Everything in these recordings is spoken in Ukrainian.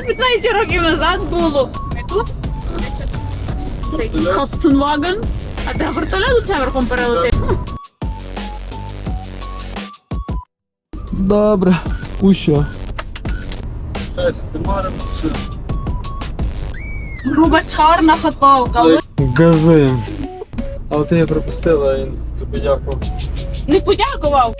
тут 15 років назад було. Ми тут? Цей Хастенваген. А ти вертольот у верхом перелетиш? Добре, у що? Груба чорна футболка. Газуємо. А от я пропустила, він тобі дякував. Не подякував.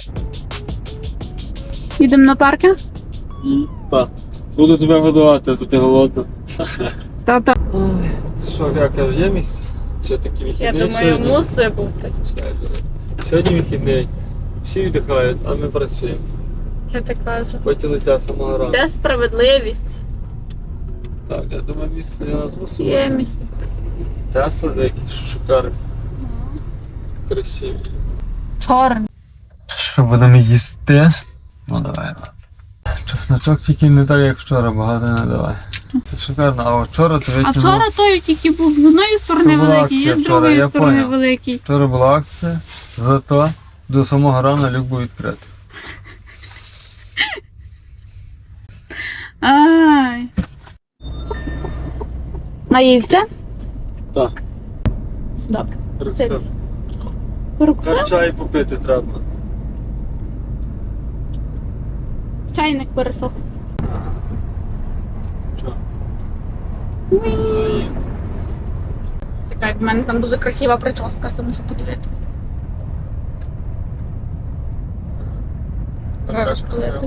Їдемо на паркінг? Так. Буду тебе годувати, а то ти голодна. Та-та. Ой, що, я кажу, є місце? Чи такі Я вихідний думаю, сьогодні? мусить бути. Сьогодні вихідний. Всі віддихають, а ми працюємо. Я так кажу. Потім летять самого ранку. Це справедливість. Так, я думаю, місце для нас мусить. Є місце. Тесла деякі шикарні. Красиві. Чорний. Що будемо їсти? Ну давай. Чесночок тільки не так, як вчора, багато не давай. Це шикарно, а вчора то А витягнув. вчора той тільки був з одної сторони То була великий, акція і з вчора, другої я сторони поняв. великий. Вчора була акція, зато до самого рана люк був відкритий. Ай. Наївся? Так. Добре. Перекусив. Перекусив? Чай попити треба. Чайник пересох. Чого? Така, в мене там дуже красива прическа, все можу подивити. Зараз подивити.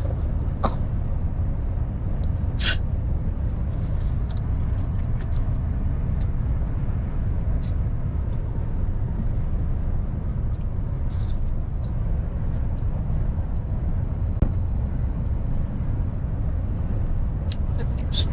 Так ліпше.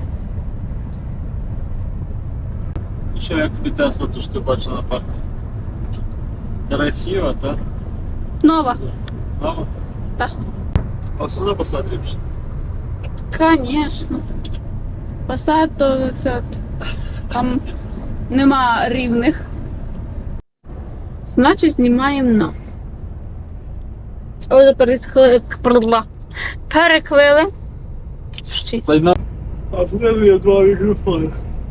Що, як тобі Тесла, то що ти бачила на парку? Красиво, так? Нова. Мама? Так. А сюди посад ліпше. Конечно. Посад то все. Там нема рівних. Значить, знімаємо нас. Ось переквили. Щі. Зайна. А в мене є два мікрофони.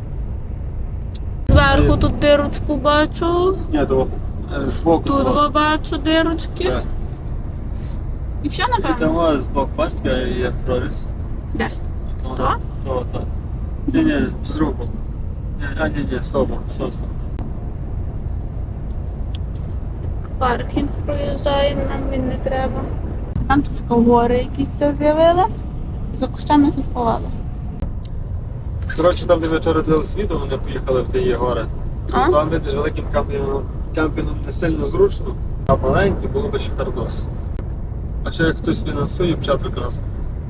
Зверху тут дирочку бачу. Ні, то збоку. Тут два. бачу дирочки. Так. І все, І напевно? там збоку, бачите, є проріз. Де? То? То? То, так. Ні, з руку. Ні, стоп. Паркінг проїжджаємо, нам він не треба. Там трошки гори якісь все з'явили. За кущами все сховали. Коротше, там, де ми вчора дивилися відео, вони поїхали в ті гори. А? Там, видиш, великим кемпінгом не сильно зручно, а маленький було б ще кардос. А ще як хтось фінансує, б ще прекрасно.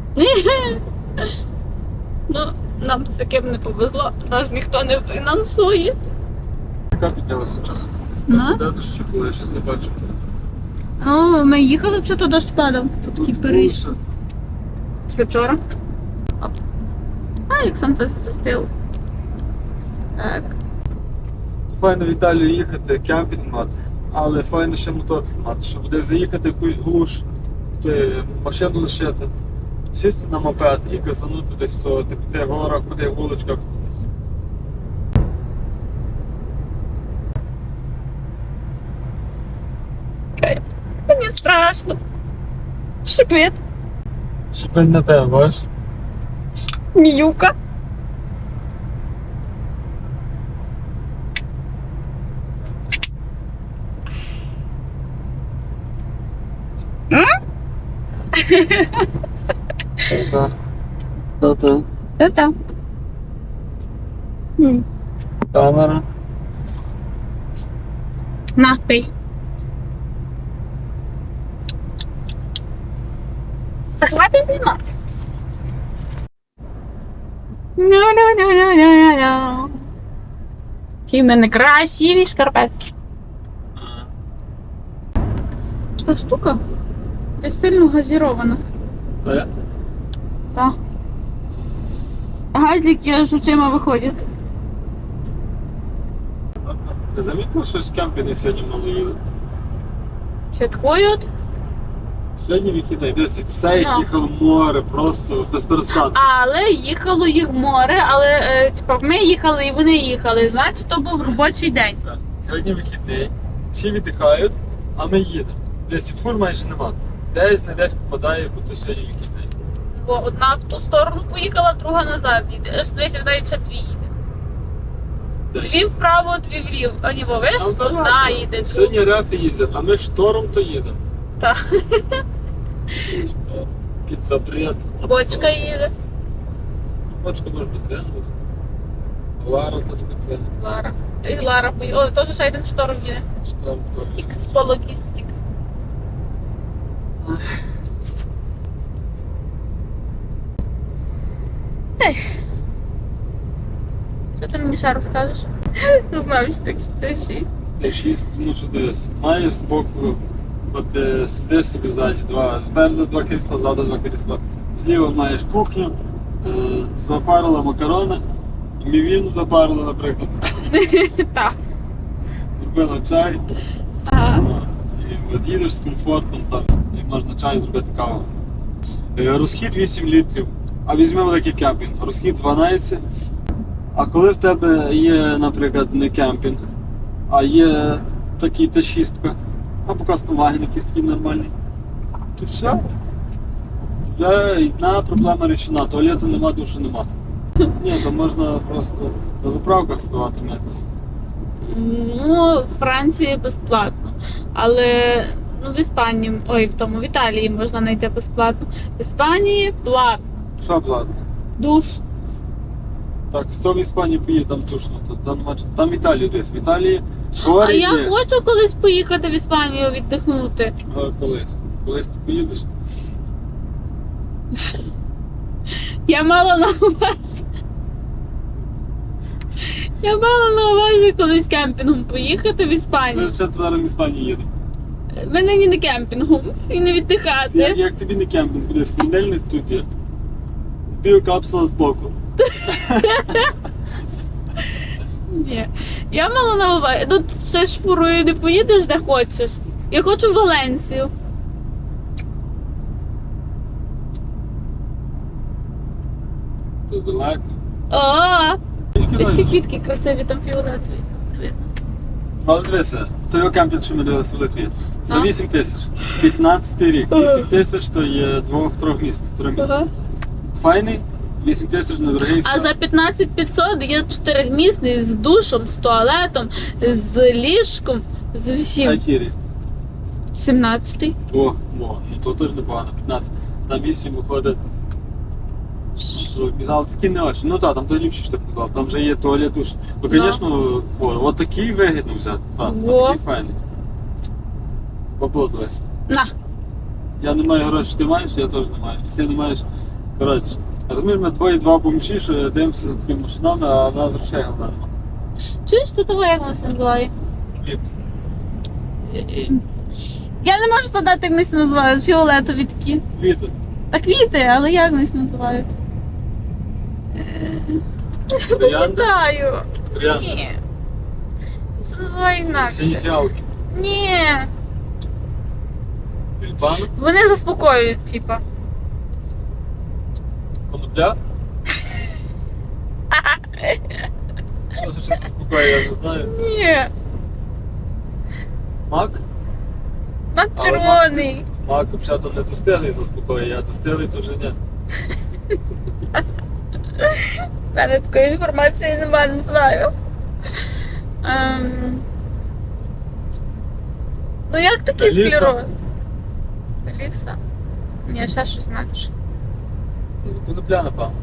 Ну, нам з таким не повезло, нас ніхто не фінансує. Яка піднялася час? На? Де дощі було, я щось не бачу. Ну, ми їхали, вже то дощ падав. Тут Такий було Париж. все. Після вчора. Оп. А, як сонце засвітило. Так. Файно в Італію їхати, кемпінг мати, але файно ще мотоцикл мати, щоб десь заїхати в якусь глуш, машину лишити, сісти на мопед і газанути десь в цього, ти в горах, куди в вуличках. Мені страшно. Шипить. Шипить на тебе, бачиш? Міюка. Та-та. Та-та. Камера. На, пий. Та хватить знімати. Ну. Ті в мене красиві шкарпетки. Та штука якась сильно газірована. Та Так. Газики аж очима виходять. Ти замітив, що з кемпінгу сьогодні мало їли? Святкують? Сьогодні вихідний, 10 все, Ну. їхало море, просто без перестанку. Але їхало їх море, але типа ми їхали і вони їхали. Значить, то був робочий день. Так. Сьогодні вихідний, всі віддихають, а ми їдемо. Десь і фур майже нема. Десь не десь попадає, бо то сьогодні вихідний. Бо одна в ту сторону поїхала, друга назад їде. Аж десь навіть ще дві їде. Де? Дві вправо, дві вліво. А ні, ви ж Там то одна рефи. їде. Сьогодні рефи їздять, а ми штором то їдемо. Так. Піцапред. Бочка їде. Бочка може бензиновась. Лара то не бензин. Лара. І Лара поїхала. О, теж ще один шторм їде. Шторм то. Ікспологістик. Ех. Що ти мені ще розкажеш? Не знаю, що таке стежі. Т6, тому що дивись, маєш збоку, от сидиш собі ззаді, спереду два крісла, ззаду два крісла. Зліва маєш кухню, запарила макарони, мівін запарила, наприклад. Так. Зробила чай, Ага. і от їдеш з комфортом там, і можна чай зробити каву. Розхід 8 літрів, а візьми великий кемпінг, розхід 12. А коли в тебе є, наприклад, не кемпінг, а є такий Т6, або кастомваген якийсь такий нормальний, то все. Вже одна проблема рішена, туалету нема, душу нема. Ні, то можна просто на заправках ставати митися. Ну, в Франції безплатно. Але ну, в Іспанії, в Італії можна знайти безплатно. В Іспанії платно. Що платно? Душ. Так, хто в Іспанії поїде, там душно, то там в Італії десь. В Італії А гори я є. хочу колись поїхати в Іспанію віддихнути. Колись. Колись ти поїдеш. Я мала на увазі. Я мала на увазі колись кемпінгом поїхати в Ми Іспанію. вже зараз в Іспанії їдемо. Ми нині не кемпінгом і не Як, віддихати. як тобі не кемпінг, буде холодильник тут є. Біокапсула збоку. Ні. Я мала на увазі. Тут все ж фурою не поїдеш де хочеш. Я хочу в Валенсію. Тут далеко. О, Трішки ось ті далі. квітки красиві, там фіолетові. Видно. Але дивися, той кемпінг, що ми дивилися в Литві, за А? 8 тисяч. 15 рік. 8 тисяч то є 2-3 місць. 3 місць. Ага. Файний, 8 тисяч недорогий. А за 15 500 є 4-місний з душем, з туалетом, з ліжком, з всім. Айкірі. 17-й. О, ну то теж непогано, 15. Там 8 виходить. Але такі не очі. Ну так, там то ліпше, що ти казав. Там вже є туалет, душ. Ну, звісно, от такий вигідно взяти. Так, Во. такий файний. Бабло давай. На. Я не маю грошей, ти маєш, я теж не маю. Ти не маєш. Коротше, розумієш, ми двоє-два бомжі, що дивимося за такими машинами, а в нас грошей головне нема. Чуєш, це того, як воно це називає? Ліфт. Я не можу задати, як вони це називають. Фіолетові такі. Вітер. Та квіти, але як вони це називають? Троянди. Пам'ятаю. Троянди. Ні. Це називає Сині інакше. фіалки. Ні. Тюльпани. Вони заспокоюють, типа. Конопля. Що це заспокоює, я не знаю. Ні. Мак? Мак Але червоний. Мак взагалі не достиглий заспокоює, а достиглий то вже ні. У мене такої інформації немає, не знаю. Ну як такий Ліса? склероз? Ліса? Ні, ще щось інакше. Конопля, напевно.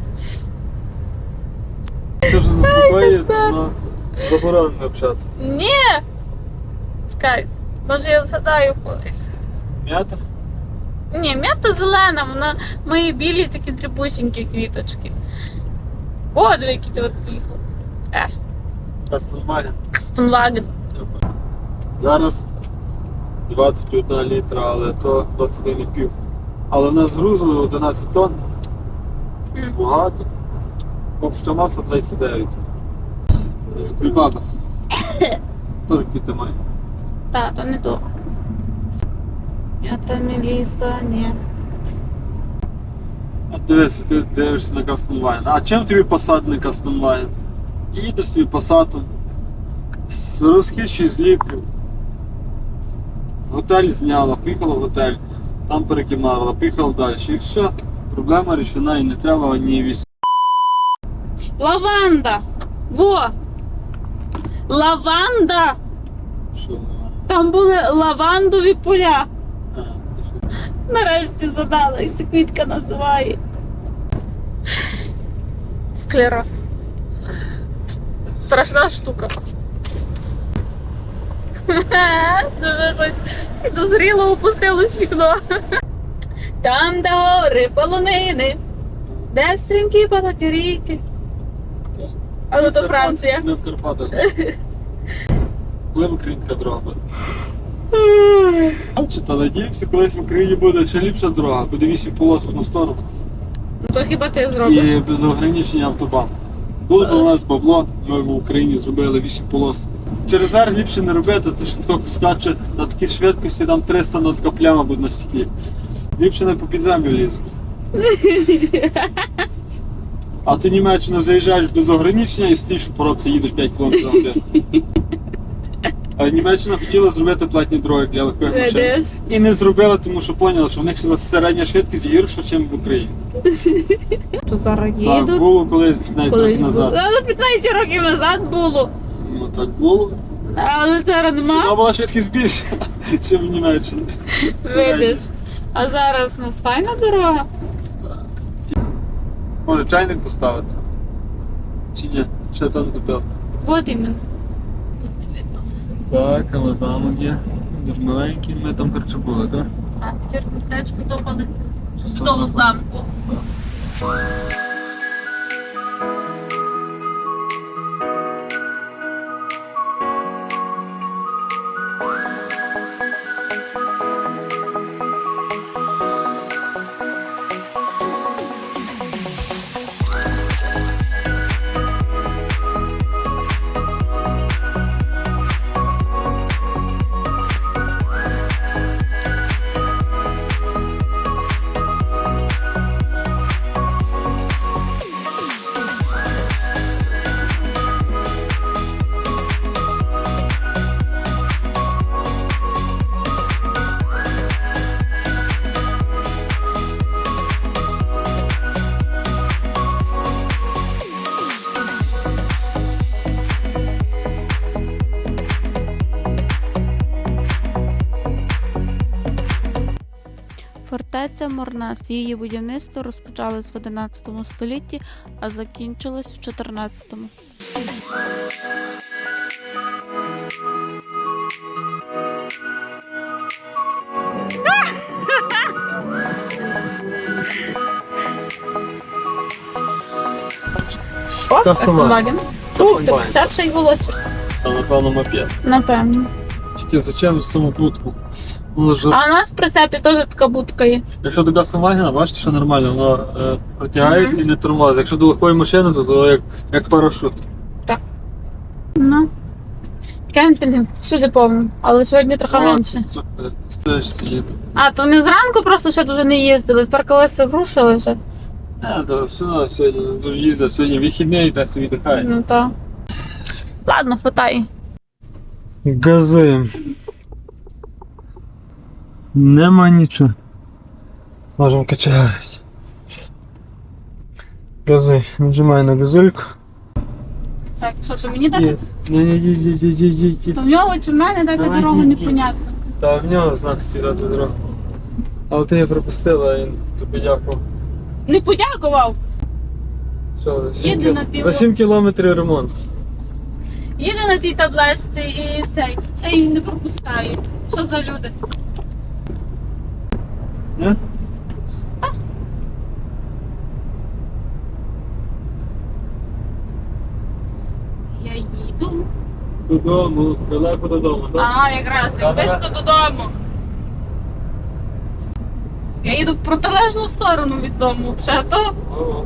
Це вже заспокоює, то воно заборонено общати. Ні! Чекай, може я згадаю колись. М'ята? Ні, м'ята зелена, вона мої білі такі дрібусінькі квіточки. О, диви, який ти от поїхав. Кастомваген. Кастенваген. Зараз 21 літра, але то 21,5. Але в нас грузу 11 тонн. Багато. Обща маса 29. Кульбаба. Теж квіти має. Так, то не то. Это Меліса, ні. А дивися, ти дивишся на Кастомлайн. А чим тобі Passat не Кастомлайн? Їдеш собі Passatом з розхід 6 літрів. Готель зняла, поїхала в готель, там перекимарила, поїхала далі. І все, проблема рішена і не треба ні військ. Лаванда! Во! Лаванда! Що? Там були лавандові поля. А, і що? Нарешті задала, як ця квітка називає. Склероз. Страшна штука. Дуже щось підозріло опустилось вікно. Там, де гори, полонини, де стрімкі потоки ріки. Але то Франція. Ми в Карпатах. Коли в Україні така дорога буде? Чи то надіємося, колись в Україні буде ще ліпша дорога, буде 8 полос в одну сторону. Ну, то хіба ти зробиш? І без ограничення автобан. Було б у нас бабло, ми в Україні зробили 8 полос. Через верх ліпше не робити, то що хто скаче на такій швидкості, там 300, ну така пляма буде на стеклі. Ліпше не по підземлю лізти. А ти в Німеччину заїжджаєш без ограничення і стоїш в поробці, їдеш 5 км за годину. А Німеччина хотіла зробити платні дороги для легких машин. Видиш? І не зробила, тому що поняла, що в них середня швидкість гірша, ніж в Україні. То зараз Так їдуть. було колись 15 років назад. Але 15 років назад було. Ну так було. Але зараз Сюди нема. була швидкість більша, ніж в Німеччині. Видиш. А зараз у нас файна дорога. Може чайник поставити? Чи ні? Ще там купив. От іменно. Так, але замок є. Дуже маленький, ми там коротше були, так? А, через містечко топали в тому замку. Фортеця Морнас. Її будівництво розпочалось в 11 столітті, а закінчилось в 14. О, Астонваген. Ух, ти, це б ще й волочиш. Та напевно мопед. Напевно. Тільки зачем з тому будку? А у нас в прицепі теж така будка є. Якщо до Кастомвагена, бачите, що нормально, воно протягається і не тормозить. Якщо до легкої машини, то як парашут. Ну. Кемпінг всюди повно, але сьогодні трохи менше. Це ж їде. А, то вони зранку просто ще дуже не їздили, тепер колеса врушили вже. То все одно сьогодні дуже їздять, сьогодні вихідний, так собі дихає. Ну так. Ладно, хватай. Газуємо. Нема нічого. Можемо качати. Газуй, нажимай на газульку. Так, що то мені дати? Ні. То в нього чи в мене дати Давай, дорогу ні. непонятно. Та в нього знак стирати дорогу. Але ти її пропустила, і він тобі дякував. Не подякував. Що, Їде на тій за 7 кілометрів ремонт. Їде на тій табличці і цей, ще її не пропускає. Що за люди? Ні? Я їду. Додому, далеко додому, так? А, якраз, як близько додому. Я їду в протилежну сторону від дому, вже то О.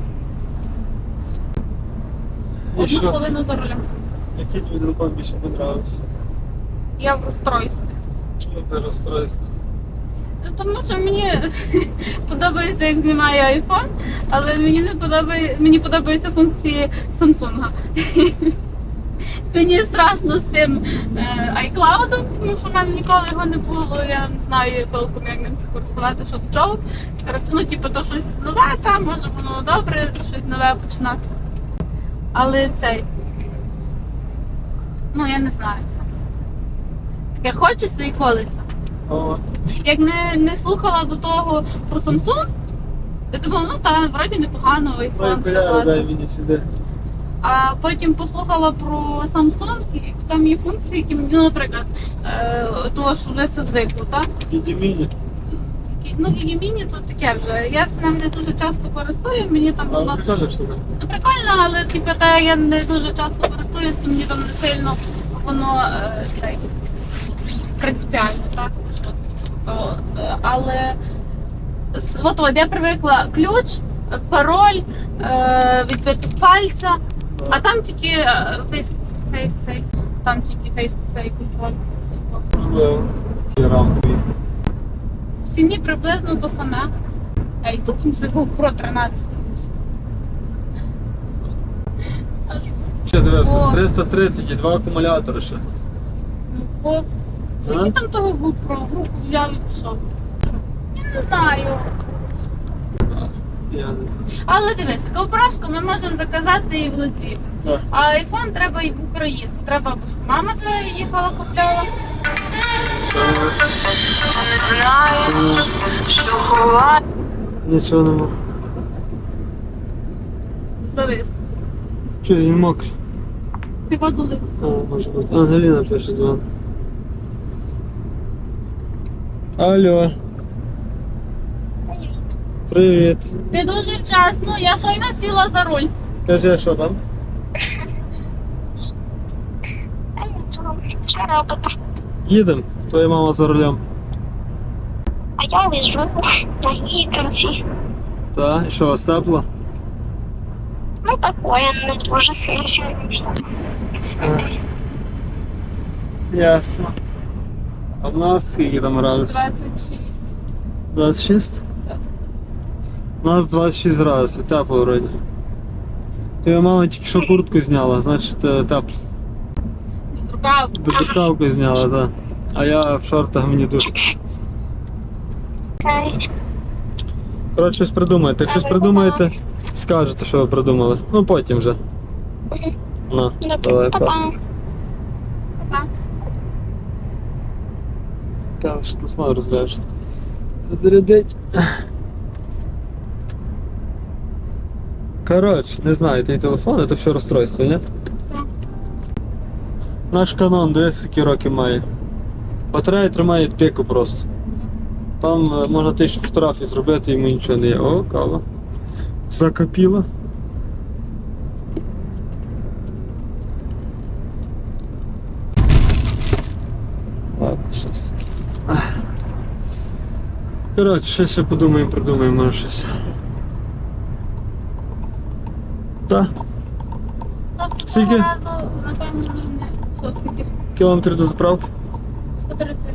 І 1 що? хвилину за рулем. Який тобі телефон більше подобався? Я в розстройстві. Чому ти розстройство? Тому що мені подобається, як знімає iPhone, але мені подобаються функції Samsung. Мені страшно з тим iCloud, тому що в мене ніколи його не було, я не знаю толком, як ним це користувати, що до чого. Коротше, ну, типу, то щось нове, там, може воно добре, щось нове починати. Але цей, ну я не знаю. Таке хочеться і колеса. О, Як не слухала до того про Samsung, я думала, ну так, вроді непогано, ой, iPhone, все коляра, дай класно. мені сюди. А потім послухала про Samsung, і там є функції, які мені, ну, наприклад, того, що вже все звикло, так? Гідіміні. Ну, Гігіміні то таке вже. Я з ним не дуже часто користую, мені там А, воно прикольна штука. прикольно, але типу, та я не дуже часто користуюсь, то мені там не сильно воно цей, принципіально, так? Але от я привикла ключ, пароль, відбиток пальця, а там тільки фейс цей, там тільки фейс цей контроль. Типу. Можливо. Такі рамкові. В ціні приблизно то саме. А і купимо за GoPro 13. Ще дивився, О. 330 і 2 акумулятори ще. Ну, о, скільки там того GoPro в руку взяв і пішов? Я не знаю. Я не знаю. Але дивися, GoPro ми можемо заказати і в Литві. Так. А iPhone треба і в Україну. Треба, бо що мама твоя їхала, купляла. Не знаю, що ховати. Нічого нема. Завис. Що, він мокрий? Ти воду лив. А, може бути. Ангеліна пише дзвон. Алло. Привіт. Ти дуже вчасно, я щойно сіла за руль. Кажи, що там? Що робити? Їдемо. Твоя мама за рулем. А я лежу на гідранці. Так, і що, вас тепло? Ну, такое, не дуже сильно. Ясно. А в нас скільки там градусів? 26. 26? Так. У нас 26 градусів, тепло вроді. Твоя мама тільки що куртку зняла, значить тепло. Без рукав. Безрукавку зняла, так. А я в шортах, мені дуже. Коротше, щось придумайте. Як щось придумаєте, скажете, що ви придумали. Ну потім вже. На, давай, па. Па-па. Па-па. Та ж телефон розряджений. Зарядить. Коротше, не знаю, твій телефон, це все розстройство, ні? Так. Наш канон, дивись, які роки має. Батарея тримає піку просто. Там можна 1000 фотографій зробити, йому нічого не є. О, кава. Закипіла. Ладно, щось. Коротше, ще подумаємо, придумаємо, може щось. Так, Просто Скільки? того разу, напевно, не. Що, скільки? кілометрів до заправки. 131.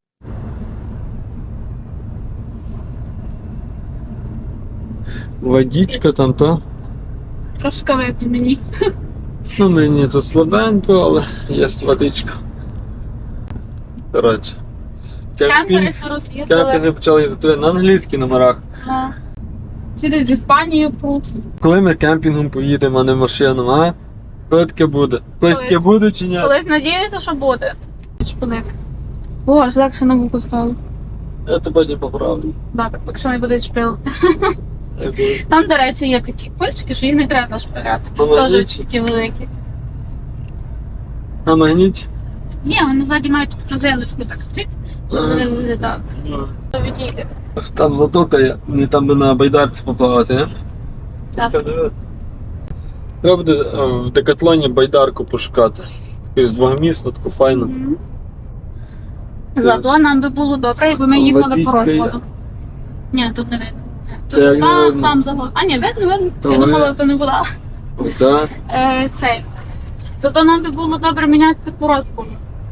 Водичка там, то. Трошки вип'ю мені. Ну, мені тут слабенько, але є водичка. Коротше. Кемпери роз'їздили. Кемпінги почали їздити на англійських номерах. Чи десь в Іспанію пруть. Коли ми кемпінгом поїдемо, а не машином, а? Коли таке буде? Колись таке буде чи ні? Колись надіюся, що буде. Шпилик. О, аж легше на вуку стало. Я тебе не поправлю. Добре, поки що не буде шпил. Я буду. Там, до речі, є такі пильчики, що їх не треба зашпиляти. На магніті? Теж такі великі. На магніті? Ні, вони ззаді мають таку резиночку так чик, щоб вони не вилітали. То відійде. Там затока є, мені там би на байдарці поплавати, не? Так. Треба буде в Декатлоні байдарку пошукати. Якусь двомісну, таку файну. Мгм. Зато нам би було добре, якби ми їхали по Водичка є. розкладу. Ні, тут не видно. Та як Тут не видно? там загон. А ні, видно. Та Я ви- думала, то не вода. Так. Цей. Зато нам би було добре мінятися по розкладу.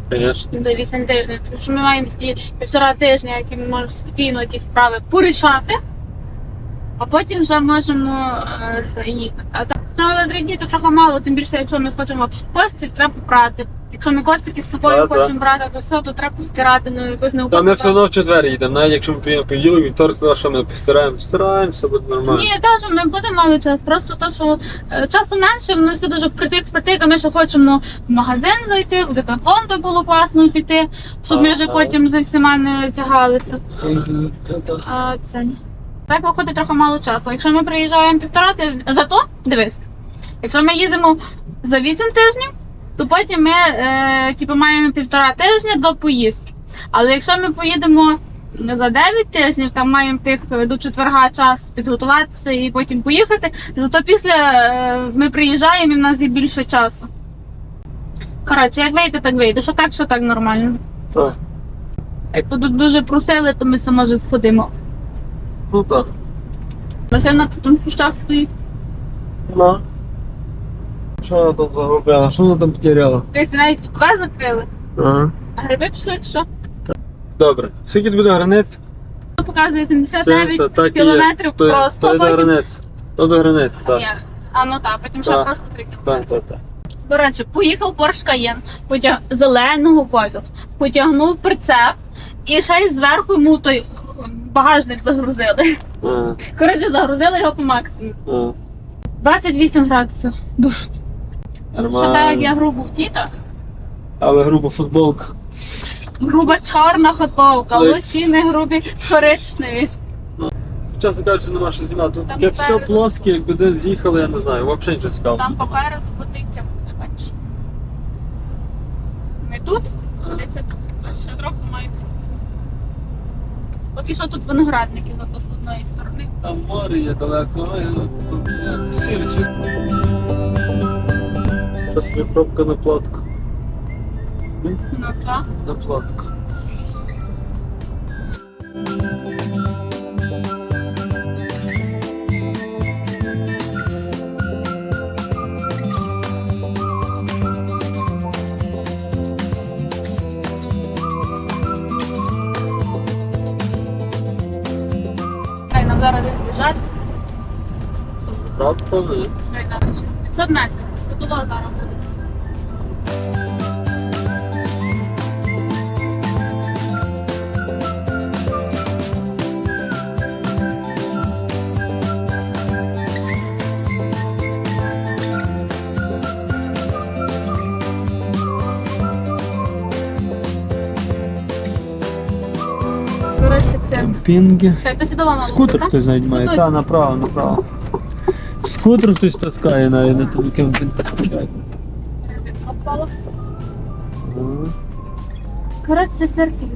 Звісно. за 8 тижнів. Тому що ми маємо ті 1,5 тижня, які ми можемо спокійно якісь справи порішати, а потім вже можемо це рік. А так, ну, але 3 дні то трохи мало, тим більше, якщо ми схочемо постіль, треба прати. Якщо ми коцики з собою Так, хочемо так. брати, то все, то треба постирати, ну якось не Та ми все одно в четвер їдемо, навіть якщо ми приїдемо понеділок, вівторок, сказав, що ми постираємо. Стираємо, все буде нормально. Ні, я кажу, ми будемо мали час. Просто то, що часу менше, воно все дуже впритик, а ми ще хочемо в магазин зайти, в Декатлон би було класно піти, щоб ми вже Ага. потім за всіма не тягалися. Та-та. А це так виходить трохи мало часу. Якщо ми приїжджаємо 1,5 тижня, зато дивись, якщо ми їдемо за 8 тижнів, то потім ми маємо 1,5 тижня до поїздки. Але якщо ми поїдемо за 9 тижнів, там маємо до четверга час підготуватися і потім поїхати, зато після ми приїжджаємо і в нас є більше часу. Коротше, як вийде, так вийде. Що так нормально. Так. Як тут дуже просили, то ми все може сходимо. Ну так. Машина тут в кущах стоїть. Ну. Що вона там загубила? Що вона там потеряла? Десь навіть тебе закрили. Ага. А гриби пішли, чи що? Добре. Скільки буде границь? Тут показує 79 70, так і є. кілометрів То просто. до границь. То до границі, так. Ні. А ну так, потім ще Так. просто 3 кілометри. Так. Коротше, поїхав Porsche Cayenne, зеленого кольору, потягнув прицеп і ще й зверху йому той багажник загрузили. Ага. Коротше, загрузили його по максимуму. Ага. 28 градусів. Душ. Ще так, як я Нормально. грубо втіта. Але груба футболка. Груба чорна футболка, Ой. лосіни грубі коричневі. Чесно кажучи, нема що знімати. Тут Там таке все попереду. плоске, якби десь з'їхали, я не знаю. Взагалі нічого цікавого. Там попереду водиця буде, бачиш. Ми тут, водиця тут. А ще трохи має бути. Поки що тут виноградники, зато з одної сторони. Там море є далеко, але тут сіре чисто. Що собі пробка на платку. Ну так. На платку. Хай нам зараз десь з'їжджати. Правда, ні? Хай там 500 метрів. Тут зараз буде. Коротше, це. Кемпінги. Так, то сюди мало. Скутер так? хтось навіть має. Ну, Та, направо. Скутер хтось таскає навіть на тому кемпінг. Опало. Коротше, церкві.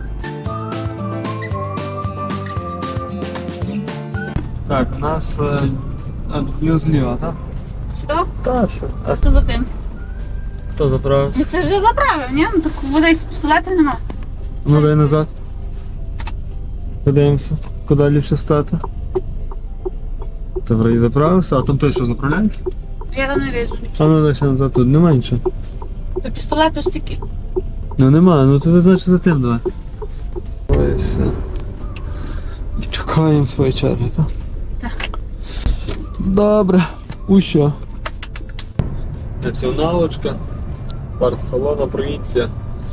Так, у нас плюс зліва, так? Що? Та, все. А Що за тим? хто заправився? Ну, це вже заправив, ні? Ну так вода із пістолетів нема. Ну дай назад. Подивимося, куди ліпше стати. Добре, і заправився, а там той що заправляється? Я там не бачу. А ну дай ще назад, тут нема нічого. То пістолет ось такий. Ну нема, ну то значить за тим давай. Ой, все. І чекаємо своєї черги, так? Так. Добре. Ущо? Націоналочка. Барселона, провінція.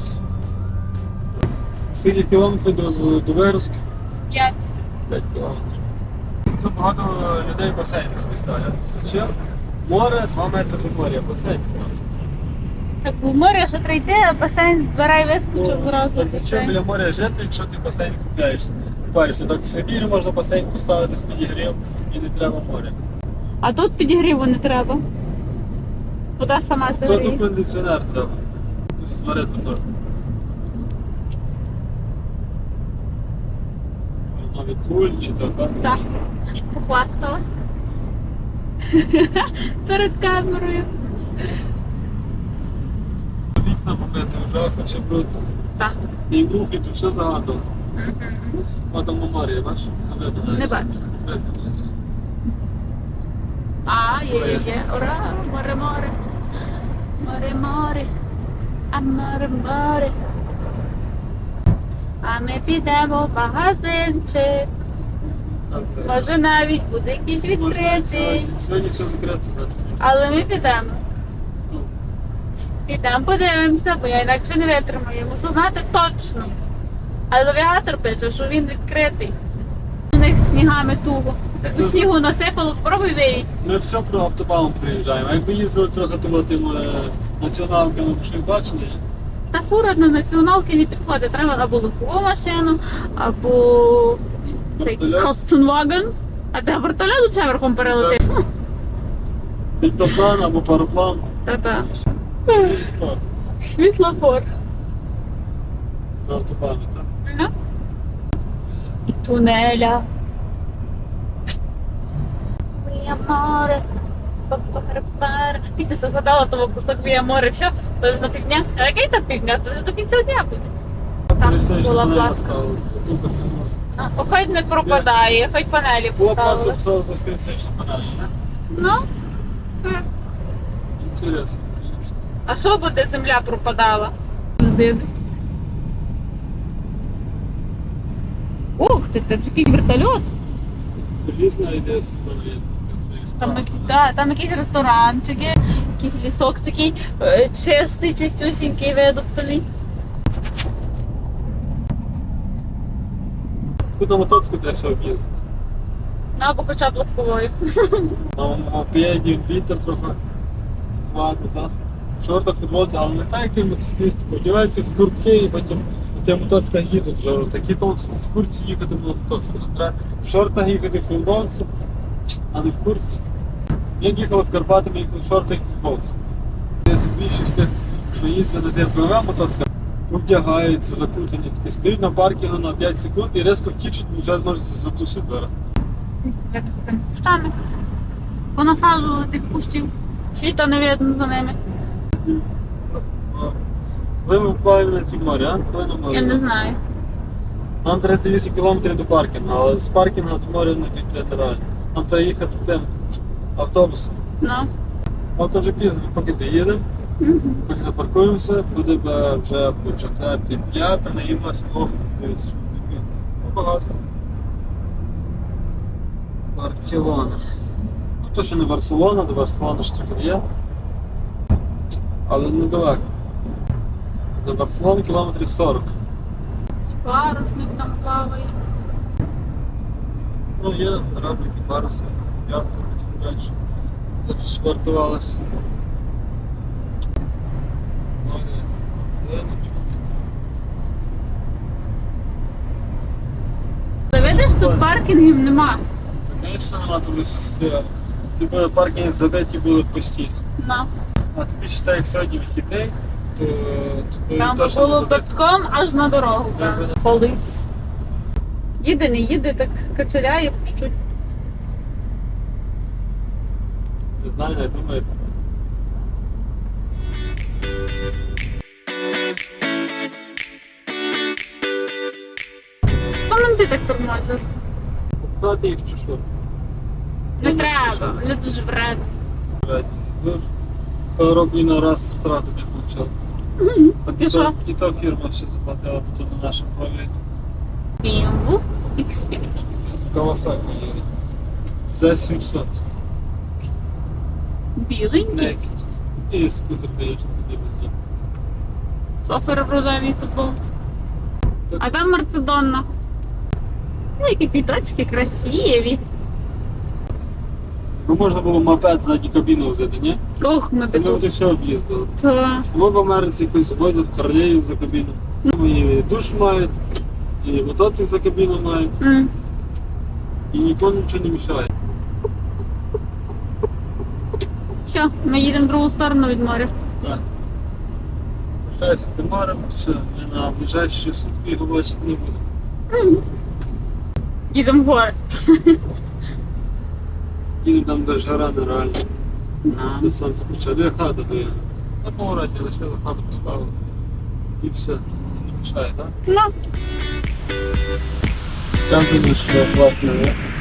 Скільки кілометрів до Верська? 5. 5 кілометрів. Тут багато людей басейни собі ставлять. Зачем? Море, 2 метри від моря, басейн ставлять. Так у морі ще трійти, а басейн з дверей вискочив зразу. Так зачем біля моря жити, якщо ти басейн купляєшся? Купаєшся. Так в Сибірі можна басейн поставити з підігрів і не треба моря. А тут підігріву не треба. Вода сама То сидить. тут кондиціонер треба. Тут сварити можна. Нові куль чи то так? Так. Похвасталась. Перед камерою. Вікна побити, ужасно, все брудно. Так. І мухи, то все загадано. Мгм. А там на морі, бачиш? А видно, навіть. Не бачу. Видно. А, є. Ура, море. Море. А море. А ми підемо в магазинчик. Так, Може навіть буде якийсь можна відкритий. сьогодні все закрито. так. Але ми підемо. Ну, Підемо подивимося, бо я інакше не витримаю. Я мушу знати точно. Але навігатор пише, що він відкритий. У них снігами туго. До снігу насипало, попробуй виїдь. Ми все про автобаном приїжджаємо. А якби їздили трохи тими націоналками, б щось бачили. Та фура на націоналки не підходить. Треба або легкову машину, або цей Вертольот. Костенваген. А де вертольот взагалі верхом перелетить? Дельтаплан або пароплан. Та-та. Дуже скоро. Світлофор. На автобані, так? Ну. І тунеля. Вія море. Після згадала того кусок Вія море. Все, то ж на півдня. А який там півдня? Це вже до кінця дня буде. Там була платка. Хоч не пропадає, хоч панелі Була платка поставили. писала за 30 панелі, не? Ну. Інтересно. А що буде, земля пропадала? Людини. Ух ти, там якийсь вертольот. Різна ідея зі самолітом. Там якийсь ресторанчик, є, якийсь лісок такий чистий, чистюсінький, видоптаний. Тут на мотоцику треба все об'їздити. Або хоча б легковою. На мопеді, вітер трохи ладно, так? В шортах, футболці, але не так, як ти мотоциклісти. Одягаються в куртки і потім у тебе мотоцикла їдуть вже. Такі то в куртці їхати на мотоциклі. Треба в шортах їхати в футболці, а не в куртці. Як їхали в Карпати, ми їхали в шортах і в футболці. Більшість тих, що їздять на тих БМВ мотоциклах, вдягаються, закутані, такі стоять на паркінгу на 5 секунд і резко втічуть, бо вже можуть затусити зараз. Як там кущами. Понасаджували тих кущів. Світа не видно за ними. Ви ми впливаємо на ті морі, а? Коли на морі? Я не знаю. Нам 38 км до паркінгу, але з паркінгу до моря не дійти нереально. Нам треба їхати тим автобусом. Ну. А то вже пізно, поки доїдемо, Мгм. поки запаркуємося, буде вже по 4-5, наїмося вогонь. Багато. Барселона. Ну то що не Барселона, до Барселони ж трохи є. Але недалеко. До Барселони кілометрів 40. Парусник там плаває. Ну є кораблики, паруси, ятки, і так далі. Тут швартувалися. Ти видиш, тут паркінгів нема. Звісно, нема тобі стояти. Типу паркінги забиті були постійно. Ну. А тобі считай, як сьогодні вихідний, то Там точно було не забито. битком аж на дорогу. Якби не- Колись. Їде, не їде, так качеляє по чуть. Не знаю, не думаю. Хто нам ти так тормозив? Пхати їх чи що? Не Ну, треба, що? вони дуже вредні. Дуже. Того року і на раз штрафи не получав. Поки що. І то фірма все заплатила, бо то на наше правління. BMW X5. Кавасаки їде. За 700. Біленький. Naked. І скутер, звісно, тоді без нього. Софер в рожевій футболці. А там Мерцедонна. Ой, які квіточки красиві. Ну можна було мопед ззаді кабіну взяти, ні? Ох, ми Та ми тут. вже все об'їздили. Та. Ми в Америці якось возять Харлею за кабіну. І душ мають, і мотоцикл за кабіну мають, М. і нікому нічого не мішає. Все, ми їдемо в другу сторону від моря. Так. Прощаюся з тим морем, все, ми на ближайші сутки його бачити не будемо. Їдемо в гори. Їдемо там до жара нереально. На. До сонця почав. Де хата до на повороті лише хату поставили. І все. Не мішає, так? Ну. Там думаю, що платно,